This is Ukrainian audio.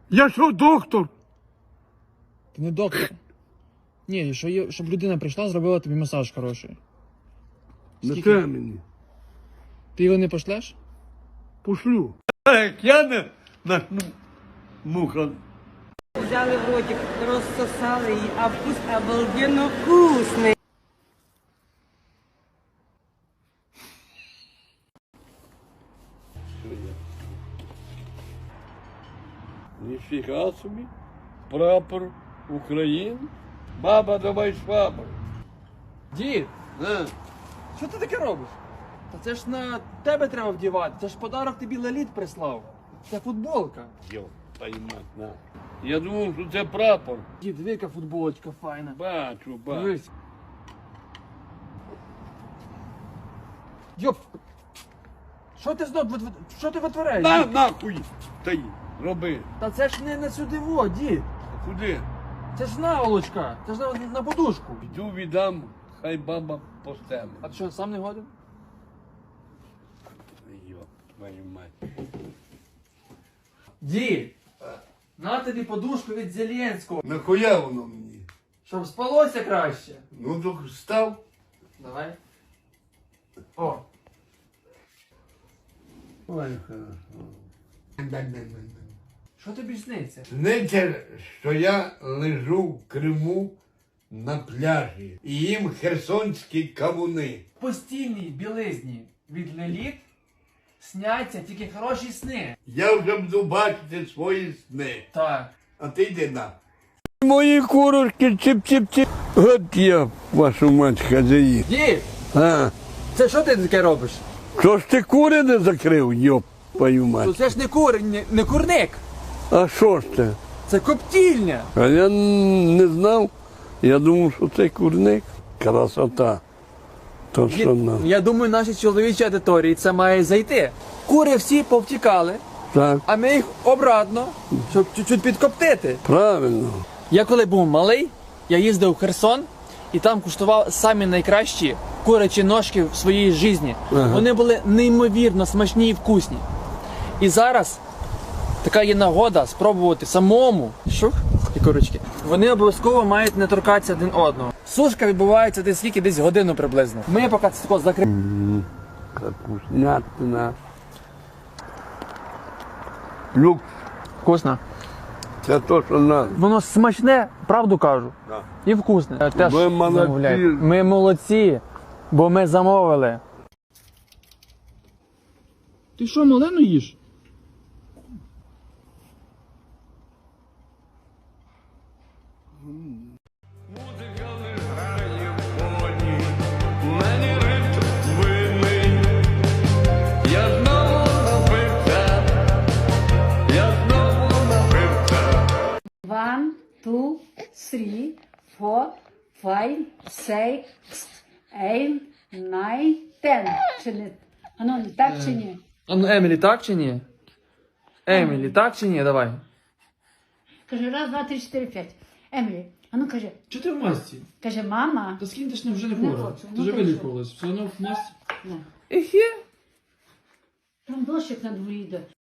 Я що, доктор? Ти не доктор. Ні, щоб людина прийшла, зробила тобі масаж хороший. Не те мені. Ти його не пошлеш? Пошлю. Як я не начну муха. Взяли в ротик, розсосали її, а вкус обалденно вкусний. Ніфіга собі. Прапор України. Баба, давай швабру. Дід, На. що ти таке робиш? Та це ж на тебе треба вдівати. Це ж подарок тобі Леліт прислав. Це футболка. Йо, поймать, на. Я думав, що це прапор. Дід, диви, яка футболочка файна. Бачу. Дивись. Йоп! Що ти витворяєш? На, дід? нахуй. Та роби. Та це ж не на сюди во, дід. Куди? Це ж наволочка. Це ж на подушку. Йду віддам, хай баба постелить. А ти що, сам не годен? Йо, твою мать. Дід! На тобі подушку від Зеленського. Нахуя воно мені? Щоб спалося краще. Ну, так став. Давай. О. Ой, хорошо. Що тобі сниться? Сниться, що я лежу в Криму на пляжі і їм херсонські кавуни. В постільній білизні від Леліт сняться тільки хороші сни. Я вже буду бачити свої сни. Так. А ти йди на. Мої курочки чип-чип-чип. От я, вашу мать, хазяїн. Дід! А, Це що ти таке робиш? що ж ти кури не закрив, йоп, твою мать. Це ж не курник. А що ж це? Це коптільня. А я не знав. Я думав, що це курник. Красота. То, Дід, що нам. я думаю, нашій чоловічій аудиторії це має зайти. Кури всі повтікали, Так, а ми їх обратно, щоб чуть-чуть підкоптити. правильно. Я коли був малий, я їздив в Херсон і там куштував самі найкращі курячі ножки в своїй житті. Ага. Вони були неймовірно смачні і вкусні. І зараз така є нагода спробувати самому. Шух, і курочки. Вони обов'язково мають не торкатися один одного. Сушка відбувається десь скільки? Десь годину приблизно. Ми поки це тако закриємо. Капуснятина. Люк, Вкусно. це то, що надо. Воно смачне, правду кажу. Да. І вкусне. Теж Ви молодці. замовляйте. Ми молодці, бо ми замовили. Ти що, малину їш? Музика не грає в фоні, мені ритм винний. Я знову напився, я знову напився. 1, 2, 3, 4, 5, 6, 8, 9, 10. Чи не? Ану, не так чи ні? А ну, Емілі, так чи ні? Емілі, так чи ні? Давай. Каже, раз, два, три, чотири, п'ять. Емілі, ану каже, Чи ти в масці? каже, мама. Та скинь, ти ж вже не Не хвора. хочу, Ти ну вже ти вилікувалась. Все одно в масці. Не. Ехе. Там дощик на дворі йде.